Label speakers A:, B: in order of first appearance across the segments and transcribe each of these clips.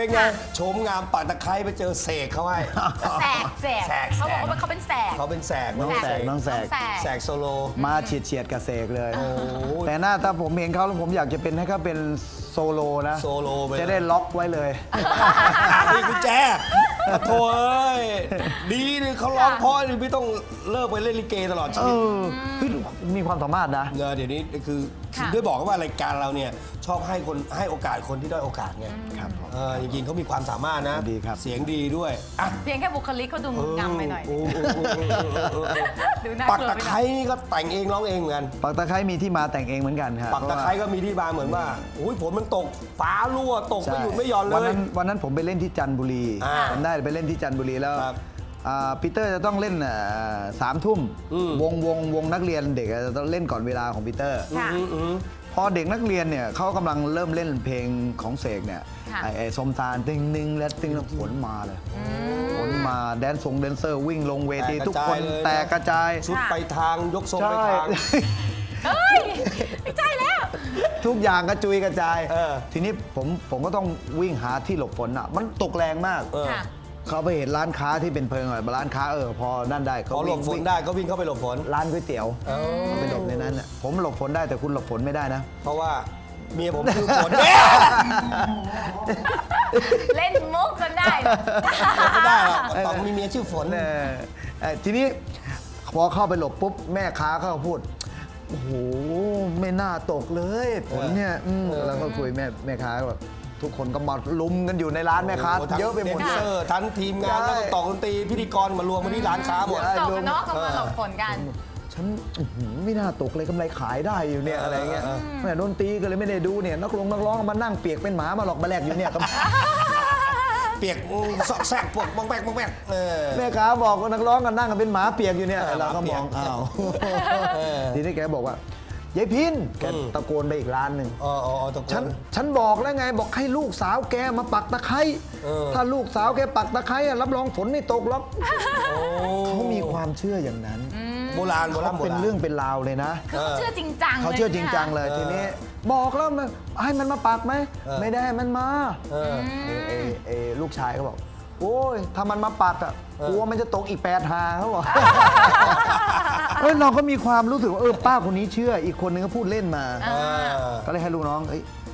A: เป็นไงโฉมงามปากตะไคร้ไปเจอเสกเขาให้
B: แสกเขาบอกว่าเขาเป็นแสก
A: เขาเป็นแสก
C: น้องแสก
A: แสกโซโล
C: มาเฉียดกับเสกเลยแต่หน้าถ้าผมเห็นเขาแล้วผมอยากจะเป็นให้เขาเป็นโซโลนะ
A: โซโลไป
C: จะได้ล็อกไว้เลย
A: นี่กุญแจโถ่เอ้ยดีนี่เขาร้องเพราะนี่ไม่ต้องเลิกไปเล่นลิเกตลอดชีวิต
C: มีความสามารถนะ
A: เดี๋ยวนี้คือด้วยบอกว่ารายการเราเนี่ยชอบให้โอกาสคนที่ด้อยโอกาสไง
C: ครับผม
A: จริงๆเขามีความสามารถนะ
C: ดีครับ
A: เสียงดีด้วยอ่ะ
B: เพียงแค่บุคลิกเขาดูงามไปหน่อยดูน่า
A: ปัก
B: กลัว
A: ตะ
B: ไปห
A: ไค
B: น่
A: ร้
B: อย
A: นี่ก็แต่งเองร้องเองเหมือนกัน
C: ปักตะไคร้มีที่มาแต่งเองเหมือนกันครับ
A: ปักตะไคร้ก็มีที่มาเหมือนว่าอุ้ยฝนมันตกฟ้ารั่วตกไม่หยุดไม่หย่อนเล
C: วันนั้นผมไปเล่นที่จันทบุรี
A: า
C: ผมได้ไปเล่นที่จันทบุรีแล้ว
A: ครับ
C: ปีเตอร์จะต้องเล่น3 ทุ่มวงนักเรียนเด็กจะต้องเล่นก่อนเวลาของปีเตอร์
B: ค่ะ
C: พอเด็กนักเรียนเนี่ยเขากำลังเริ่มเล่นเพลงของเสกเนี่ย
B: ค่ะ
C: ไอ้สมตาลติงนิงและติงแล้วฝนมาเลยฝนมาแดนเซอร์วิ่งลงเวทีทุกคนแตกกระจาย
A: ชุดไปทางยกทรงไปทาง
B: เฮ้ยไม่ใช่แล้ว
C: ทุกอย่างกระจุยกระจาย
A: เออ
C: ทีนี้ผมก็ต้องวิ่งหาที่หลบฝนอ่ะมันตกแรงมาก
B: ค่ะ
C: เขาไปเห็นร้านค้าที่เป็นเพลิงหน่อยร้านค้าพอนั่นได้
A: พอหลบฝนได้ก็วิ่งเข้าไปหลบฝน
C: ร้านก๋วยเตี๋ยวเขาไปหลบในนั้นน่ะผมหลบฝนได้แต่คุณหลบฝนไม่ได้นะ
A: เพราะว่าเมียผมคือฝนเนี่ย
B: เล่นมุกจนได้
A: ไม่ได้หรอกต้องมีเมียชื่อฝน
C: ทีนี้พอเข้าไปหลบปุ๊บแม่ค้าเขาก็พูดโอ้โหไม่น่าตกเลยฝนเนี่ยแล้วก็คุยแม่ค้าแบบทุกคนก็มาลุมกันอยู่ในร้านแม่ค้า
A: โอ้โทั้ง
C: เยอะไปหมด
A: แดนเซอร์ทั้งทีมงาน
C: ใช่
A: แล้วก็ต่อดนตรีพิธีกรมารวมมาที่ร้านค้าหมด
C: ใช่
B: ตกกันเนาะก็มาหลบฝนกัน
C: ฉันไม่น่าตกเลยกำไรขายได้อยู่เนี่ยอะไรเงี้ยแม่ดนตรีก็เลยไม่ได้ดูเนี่ยนักร้องมานั่งเปียกเป็นหมามาหลอกมาแลกอยู่เนี่ย
A: เปียกซอกแซกปวดบ้องแบกบ้องแบก
C: แม่ค้าบอกว่านักร้องกันนั่งกันเป็นหมาเปียกอยู่เนี่ย
A: เออ
C: เราก็มอง
A: หมาเปียก
C: อ้าว
A: เออ
C: ทีนี้แกบอกว่ายายพินแกตะโกนไปอีกร้านหนึ่ง
A: อ๋อตะโกน
C: ฉันบอกแล้วไงบอกให้ลูกสาวแกมาปักตะไคร้
A: เออ
C: ถ้าลูกสาวแกปักตะไคร้อะรับรองฝนไม่ตกหรอก
A: โอ้
C: เขามีความเชื่ออย่างนั้น
A: โบราณ
C: เขาเป็นเรื่องเป็นราวเลยนะ
B: คือเขาเชื่อจริงจัง
C: เขาเชื่อจริงจังเลยทีนี้บอกแล้วมันให้มันมาปักไหมไม่ได้ให้มันมา
A: เออ
C: ลูกชายก็บอกโอ้ยถ้ามันมาปักอ่ะกลัวมันจะตกอีก8 หาเขาบอก เราก็มีความรู้สึกว่าป้าคนนี้เชื่ออีกคนนึงก็พูดเล่นมา ก็เลยให้ลูกน้อง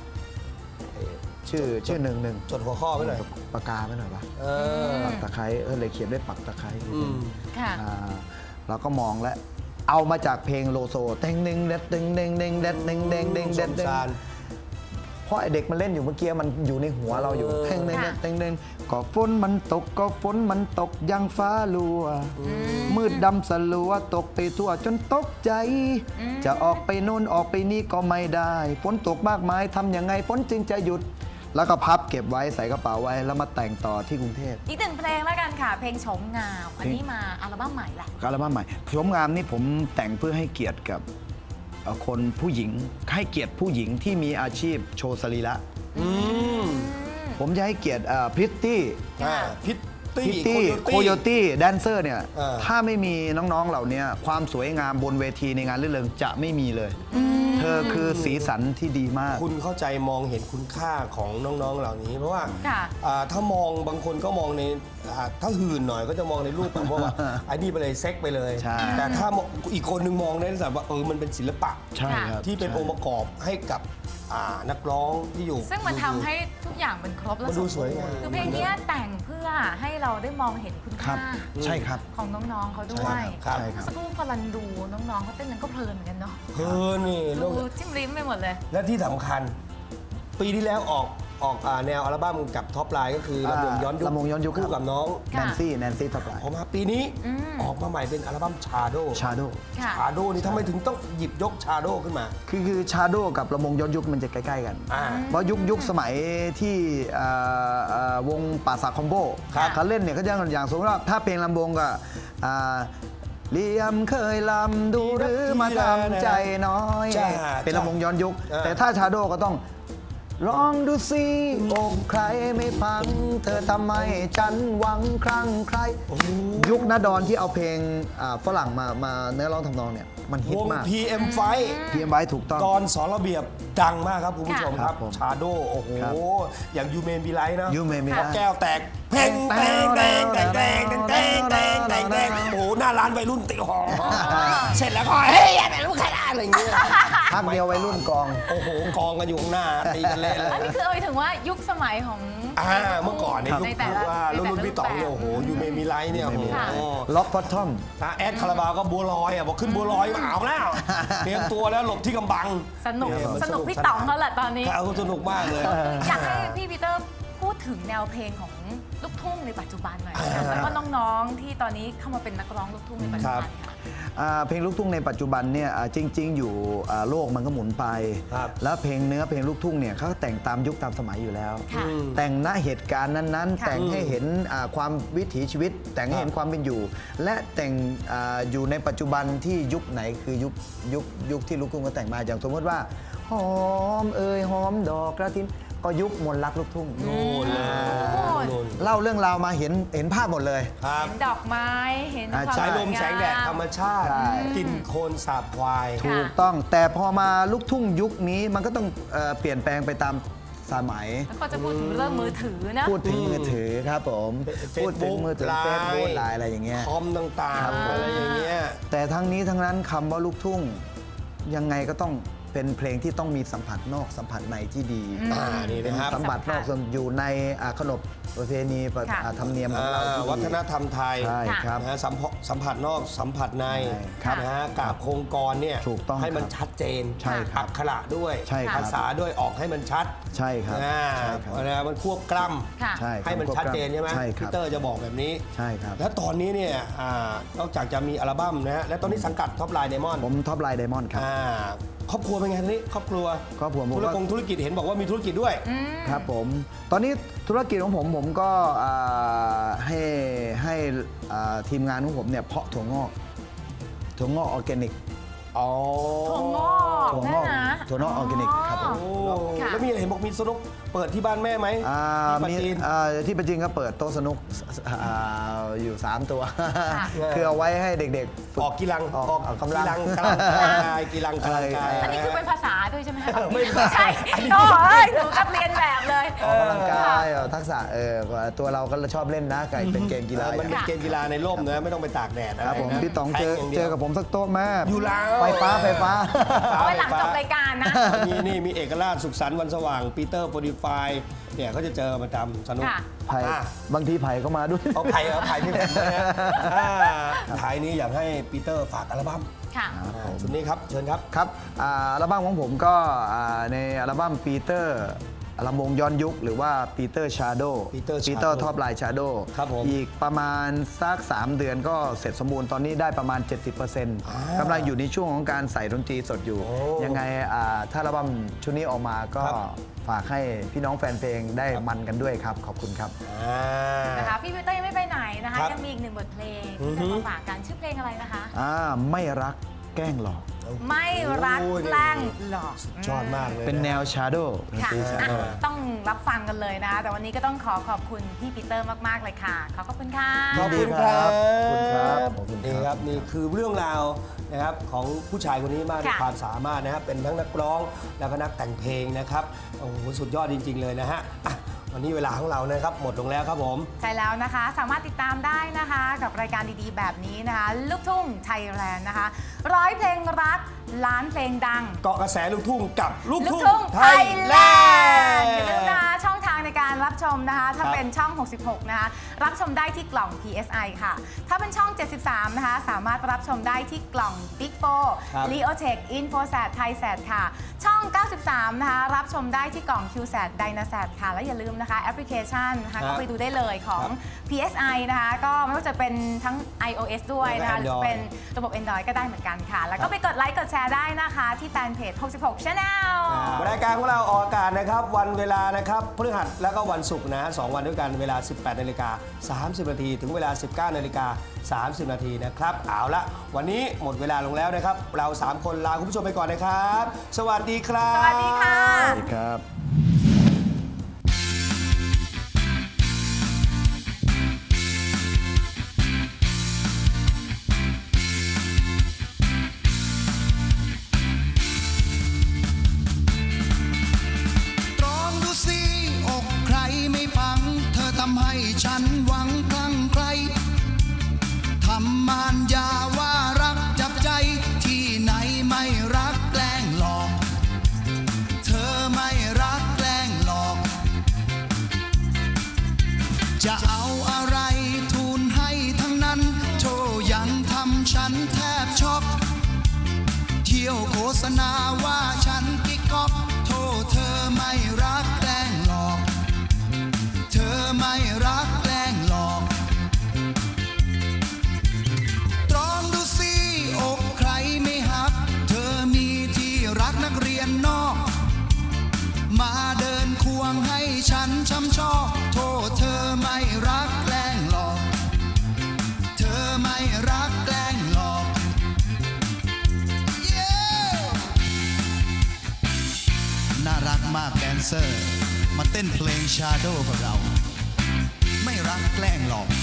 C: ชื่อหนึ่ง
A: จดหัวข้อไว้หน่อย
C: ปากกาไว้หน่อยปะ
A: เออ
C: ปักตะไคร้เลยเขียนด้วยปักตะไคร้
B: ค่ะ
C: เราก็มองแล้วเอามาจากเพลงโลโซเต็งเด้งเด็ดเด้งเด้งเด้งเด็ดเด้งเด้งเด้งเด็ดเด้งเพราะไอเด็กมันเล่นอยู่เมื่อกี้มันอยู่ในหัวเราอยู่เต็งเด้งเด็ดเด้งเด้งก็ฝนมันตกก็ฝนมันตกยังฟ้าลัวมืดดำสลัวตกไปทั่วจนตกใจ จะออกไปโน่นออกไปนี่ก็ไม่ได้ฝนตกมากมายทำยังไงฝนจึงจะหยุด แล้วก็พับเก็บไว้ใส่กระเป๋าไว้แล้วมาแต่งต่อที่กรุงเทพ
B: อีกหนึ่งเพลงแล้วกันค่ะ เพลงโฉมงาม อันนี้มาอัลบั้มใหม่แหละ
C: อัลบั้มใหม่ชมงามนี่ผมแต่งเพื่อให้เกียรติกับคนผู้หญิงให้เกียรติผู้หญิงที่มีอาชีพโชว์สรีระผมจะให้เกียรติพริตตี้
A: พิตตี้
C: โคโยตี้แดนเซอร์เนี่ย
A: เออ
C: ถ้าไม่มีน้องๆเหล่านี้ความสวยงามบนเวทีในงานรื่นเริงจะไม่มีเลย เธอคือสีสันที่ดีมาก
A: คุณเข้าใจมองเห็นคุณค่าของน้องๆเหล่านี้ เพราะว่า
B: ค่ะ
A: ถ้ามองบางคนก็มองในถ้าหื่นหน่อยก็จะมองในรูปแบบว่าไอ้นี่ไปเลยเซ็กไปเลย
C: ใช่
A: แต่ถ้ามองอีกคนนึงมองในลักษณะว่ามันเป็นศิลปะ
C: ใช่ครับ
A: ที่เป็นองค์ประกอบให้กับนักร้องที่อยู่
B: ซึ่งมันทำให้ทุกอย่างมันครบและ
A: มันดูสวยงาม
B: คือเพลงนี้แต่งเพื่อให้เราได้มองเห็นคุณ
C: ครั
B: ค่า
C: บใช่ครับ
B: ของน้องๆเขาด้วย
A: ใช่ครับ
B: เมื่อสักครู่พอรันดูน้องๆเขาเต้นนั้นก็เพลินเหมือนกันเนาะ
A: นี่โล
B: ดู
A: ก
B: จิ้มลิ้มไปหมดเลย
A: และที่สำคัญ ปีที่แล้วออกแนวอัลบั้มกับท็อปไลน์ก็คือลำวงย้อนยุค
C: ลำวงย้อนยุค
A: คู่กับน้อง
C: แนนซี่ท็อปไลน์
A: พอมาปีนี้ออกมาใหม่เป็นอัลบั้มชาโด
C: ชาโด
B: ค่ะ
A: ชาโดนี่ทำไมถึงต้องหยิบยกชาโดขึ้นมา
C: คือชาโดกับลำวงย้อนยุคมันจะใกล้ๆกัน
A: อ่า
C: เพราะยุคสมัยที่วงป่าสากคอมโบ
A: ครับ
C: เขาเล่นเนี่ยเขาจะอย่างสมมติว่าถ้าเพลงลำวงก็เลียมเคยลำดูหรือมาทำใจน้อย
A: จ้า
C: เป็นลำวงย้อนยุค
A: อ่า
C: แต่ถ้าชาโดก็ต้องลองดูสิอกใครไม่พัง เธอทำไมฉันหวังครั้งใคร ยุคนาดอนที่เอาเพลงฝรั่งมาเนื้อร้องทำนองเนี่ยมันฮิต
A: วง
C: มาก
A: PM Fight
C: เพียมไว้ถูกต้อง
A: ตอนสอนระเบียบดังมากครับคุณผู้ชมค
C: ครั
A: รับบ
C: ผม
A: ชาโดโอ้โห
C: ครับ
A: อย่างยูเมนบีไลท์นะ
C: You May Be
A: พอ
C: Right
A: แก้วแตกเพลงแตงแตงแตงแตงแตงแตงแตงแตงโอ้โหหน้าร้านวัยรุ่นติหอเสร็จแล้วก็เฮ้ยอย่าไปรู้ใครได้อะไรอย่างเงี้ย
C: พักเดียววัยรุ่นกอง
A: โอ้โหกองกันอยู่ข้างหน้าตีกันเละเลย
B: อันนี้คือเอาไปถึงว่ายุคสมัยของ
A: เมื่อก่อนเนี่ย
B: ใน
A: ยุค
B: แต่ละ
A: ว่ารุ่นพี่ต๋องเนี่ย
B: ในแต่ละ
A: โอ้โหยูเมนบีไลท์เนี่ยโอ้โห
C: ล็อกพอตทอม
A: แอดคาราบาวก็บัวลอยบอกขึ้นบัวลอยก็เอาแล้วเตรียมตัวแล้วหลบที่กำบัง
B: สนุก
A: เนี่ยมัน
B: สนุกพี่ต๋องเขาแหละตอนนี้
A: เขาสนุกมากเลย
B: อยากให้พี่ปีเตอร์พูดถึงแนวเพลงของลูกทุ่งในปัจจุบันหน่อยนะคะแล้วก็น้องๆที่ตอนนี้เข้ามาเป็นนักร้องลูกทุ่งในปัจจุบันค่ะ
C: เพลงลูกทุ่งในปัจจุบันเนี่ยจริง ๆ อยู่โลกมันก็หมุนไป
A: ครับ
C: แล้วเพลงเนื้อเพลงลูกทุ่งเนี่ยเขาแต่งตามยุคตามสมัยอยู่แล้ว
B: ค่ะ
C: แต่งณเหตุการณ์นั้นๆ
B: ค่ะ
C: แต่งให้เห็นความวิถีชีวิต แต่งให้เห็นความเป็นอยู่ และแต่งอยู่ในปัจจุบันที่ยุคไหนคือยุคที่ลูกทุ่งก็แต่งมาอย่างสมมติว่าหอมเอ่ยหอมดอกกระถินก็ยุคมนต์รักลูกทุ่ง
A: โน่นเลยโน่น
C: เล่าเรื่องราวมาเห็นภาพหมดเลย
A: ครับ
B: เห็นดอกไม้เห็นความ
A: สายลม
B: ง
A: แสงแดดธรรมชาติ
C: ใช่
A: กินโคลนสาบควาย
B: ค่ะ
C: ถูกต้องแต่พอมาลูกทุ่งยุคนี้มันก็ต้องเปลี่ยนแปลงไปตามสมัย
B: แล้วก็จะพูดถึงเรื่องมือถือนะ
C: พูดถึงมือถือครับผม พูดถึงมือถือ
A: ไล
C: เฟซบุ๊ก
A: น์
C: ไลน์อะไรอย่างเงี้ย
A: คอมต่างๆอะไรอย่างเงี้ย
C: แต่ทั้งนี้ทั้งนั้นคำว่าลูกทุ่งยังไงก็ต้องเป็นเพลงที่ต้องมีสัมผัสนอกสัมผัสในที่ดี
A: นี่นะครับ
C: สัมผัสนอกอยู่ในขนบประเพณี
B: ค่ะ
C: ธรรมเนียมของเราที่ดี
A: วัฒนธรรมไทย
C: ใช่ครับ
A: นะฮะสัมผัสนอกสัมผัสใน
C: ครับ
A: นะฮะกราบโครงกรเนี่ย
C: ถูกต้อง
A: ให้มัน
C: ครับ
A: ชัดเจน
C: ใช่ครับ
A: อักขระด้วย
C: ใช่ครับ
A: ภาษาด้วยออกให้มันชัด
C: ใช่ครับ
A: อ่า
C: ใช่ครับ
A: นะมันควบกล้
B: ค่ะ
C: ใช่
A: ำให้มันชัดเจนใช่ไหม
C: ใช่ค
A: พี
C: รับ
A: เตอร์จะบอกแบบนี้
C: ใช่ครับ
A: แล้วตอนนี้เนี่ยนอกจากจะมีอัลบั้มนะฮะและตอนนี้สังกัดท็อปไลน์ไดมอนด์
C: ผมท็อปไลน์ไดมอนด์ครับ
A: ครอบครัวเป็นไงทีนี้ครอบครัว
C: ครอบครัวผม
A: ธุรกิจเห็นบอกว่ามีธุรกิจด้วย
C: ครับผมตอนนี้ธุรกิจของผมก็ให้ทีมงานของผมเนี่ยเพาะถั่วงอกออร์แกนิก
A: อ๋อ
B: ถั่วงอก
C: ถั่วง
B: นั่
C: อน ก
B: นะ
C: ถั่วนอกออร์แกนิกครับผม
A: โอ้
B: ค่ะ
A: แล้วมีเห็นบอกมีสนุกเปิดที่บ้านแม่ไหม
C: มี
A: ที่ปาจีน
C: ที่ปัจจินก็เปิดโต๊ะสนุกอยู่ 3 ตัว
B: ค่ะ
C: คือเอาไว้ให้เเด็กๆฝึ
A: ออกกีฬา
C: ออกกำลัง
A: กำลังกายกีฬากำลังกาย
B: อันนี้คือเป็นภาษาด้วยใช่ไหมคะ
A: ไม่ใช่
B: ใช่
A: อันนี้
B: โอ้ยหนูกับเรียนแบบเลย
C: ออกกำลังกายทักษะตัวเราก็ชอบเล่นนะไก่เป็นเกมกีฬา
A: มันเป็นเกมกีฬาในร่มนะไม่ต้องไปตากแดด
C: ครับผม
A: นะ
C: พี่ต๋อง
A: แท
C: เจ
A: ย่างดี
C: อ
A: ยว
C: กับผมสักโต๊ะแม่
A: อยู่แล้ว
C: ไฟฟ้า
B: เอาไว้หลังจบรายการนะ
A: มีเอกราชสุขสันต์วันสว่างปีเตอร์โปรดิฟายเนี่ยเขาจะเจอประจำสนุก
B: ค่ะ
C: ไผ่
A: อ่ะ
C: บางทีไผ่ก็มาด้วย
A: เอาไผ่นี่แหละท้ายนี้อยากให้ปีเตอร์ฝากอัลบั้ม
B: ค่ะ
A: ชุดนี้ครับเชิญครับ
C: ครับอัลบั้มของผมก็ในอัลบั้มปีเตอร์ลำวงย้อนยุคหรือว่าปีเตอร์ชาโด
A: Peter Shadow
C: ปีเตอร์ท็อปไลน์ชาโด
A: ครับผม
C: อีกประมาณสัก3 เดือนก็เสร็จสมบูรณ์ตอนนี้ได้ประมาณ 70%กำลังอยู่ในช่วงของการใส่ดนตรีสดอยู่
A: โอ้
C: ยังไงถ้าอัลบั้มชุดนี้ออกมาก็
A: ครับ
C: ฝากให้พี่น้องแฟนเพลงได้มันกันด้วยครับ ขอบคุณครับ
B: นะคะพี่ปีเตอร์ยังไม่ไปไหนนะคะ
A: ครับ
B: ยังมีอีกหนึ่งบทเพลงที่จะมาฝากกันชื่อเพลงอะไรนะคะ
C: ไม่รักแกล้งหลอก
B: ไม่รักแกล้งหลอก
A: ชอบมากเลย
C: เป็นแนวชาโด
B: ค่ะ
C: ชาโด
B: อ่ะต้องรับฟังกันเลยนะคะแต่วันนี้ก็ต้องขอบคุณพี่ปีเตอร์มากๆเลยค่ะขอบคุณค่ะ
A: ขอบคุณครับ
C: ขอบคุณครับขอบคุณครับ
A: นี่ครับนี่คือเรื่องราวนะครับของผู้ชายคนนี้มากด้วย
B: ค่ะ
A: ความสามารถนะครับเป็นทั้งนักร้องแล้วก็นักแต่งเพลงนะครับโอ้โหสุดยอดจริง ๆ เลยนะฮะอ่ะวันนี้เวลาของเรานะครับหมดลงแล้วครับผม
B: ใช่แล้วนะคะสามารถติดตามได้นะคะกับรายการดีๆ แบบนี้นะคะลูกทุ่งไทยแลนด์นะคะ100 เพลงรักล้านเพลงดัง
A: เกาะกระแสลูกทุ่งกับลูก
B: ลูก
A: ทุ่ง
B: ทุ่ง
A: ไท
B: ไท
A: ย
B: ย
A: แล
B: แล
A: น
B: น
A: ด์
B: ด์อย่าลืมนะคะช่องทางในการรับชมนะคะถ้า
A: ครับ
B: เป็นช่อง 66 นะคะรับชมได้ที่กล่อง PSI ค่ะ ถ้าเป็นช่อง 73 นะคะสามารถรับชมได้ที่กล่อง Big
A: ครับ
B: 4 Leotech Infosat Thaisat ค่ะ ช่อง 93 นะคะรับชมได้ที่กล่อง QSat Dynasat ค่ะ และอย่าลืมนะคะแอปพลิเคชันนะคะ
A: ครับ
B: ก็ไปดูได้เลยของ
A: ครับ
B: PSI นะคะก็ไม่ว่าจะเป็นทั้ง iOS ด้วยนะคะห
A: แล้วก็
B: รือเป็นระบบ Android ก็ได้เหมือนกันค่ะ แล้วก็ไปกดไลค์กดแชร์ได้นะคะที่แฟนเพจ 66 Channel
A: รายการของเราออกอากาศนะครับวันเวลานะครับพฤหัสแล้วก็วันศุกร์นะ2 วันด้วยกันเวลา 18:30 นาทีถึงเวลา 19:30 นาทีนะครับเอาละวันนี้หมดเวลาลงแล้วนะครับเรา 3 คนลาคุณผู้ชมไปก่อนนะครับ สวัสดีครับ
B: สวัสดีค่ะ
C: สวัสดีครับ
D: ทำให้ฉันหวังคลั่งไคล้ทำมารยาว่ารักจับใจที่ไหนไม่รักแกล้งหลอกเธอไม่รักแกล้งหลอกจะเอาอะไรทูลให้ทั้งนั้นโธ่ยังทำฉันแทบช็อกเที่ยวโฆษณาว่าฉันกิ๊กก๊อกโธ่เธอไม่รักแกล้งหลอกเธอไม่รักแกล้งหลอกตรองดูสิอกใครไม่หักเธอมีที่รักนักเรียนนอกมาเดินควงให้ฉันช้ำชอกโทษเธอไม่รักแกล้งหลอกเธอไม่รักแกล้งหลอก น่ารักมากแดนเซอร์มาเต้นเพลงชาโดว์กับเราไม่รักแกล้งหลอก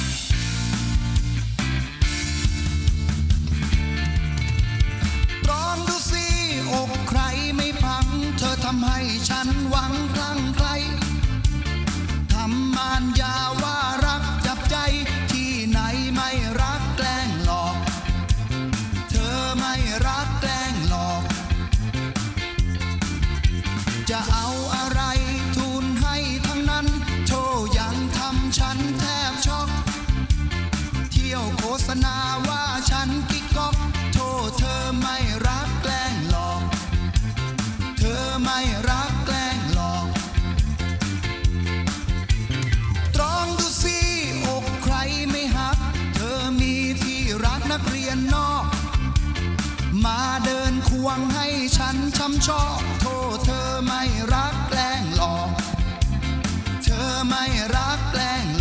D: ลองดูสิอกใครไม่พังเธอทำให้ฉันหวังคลั่งไคล้ทำมารยาว่ารักจับใจที่ไหนไม่รักแกล้งหลอกเธอไม่รักแกล้งหลอกจะเอาอะไรทูลให้ทั้งนั้นโธ่ยังทำฉันแทบช็อกเที่ยวโฆษณาว่าฉันกิ๊กก๊อกโธ่เธอไม่รักแกล้งหลอกเธอไม่รักแกล้งหลอกตรองดูสิอกใครไม่หักเธอมีที่รักนักเรียนนอกมาเดินควงให้ฉันช้ำชอกโธ่เธอไม่รักแกล้งหลอกเธอไม่รักแกล้ง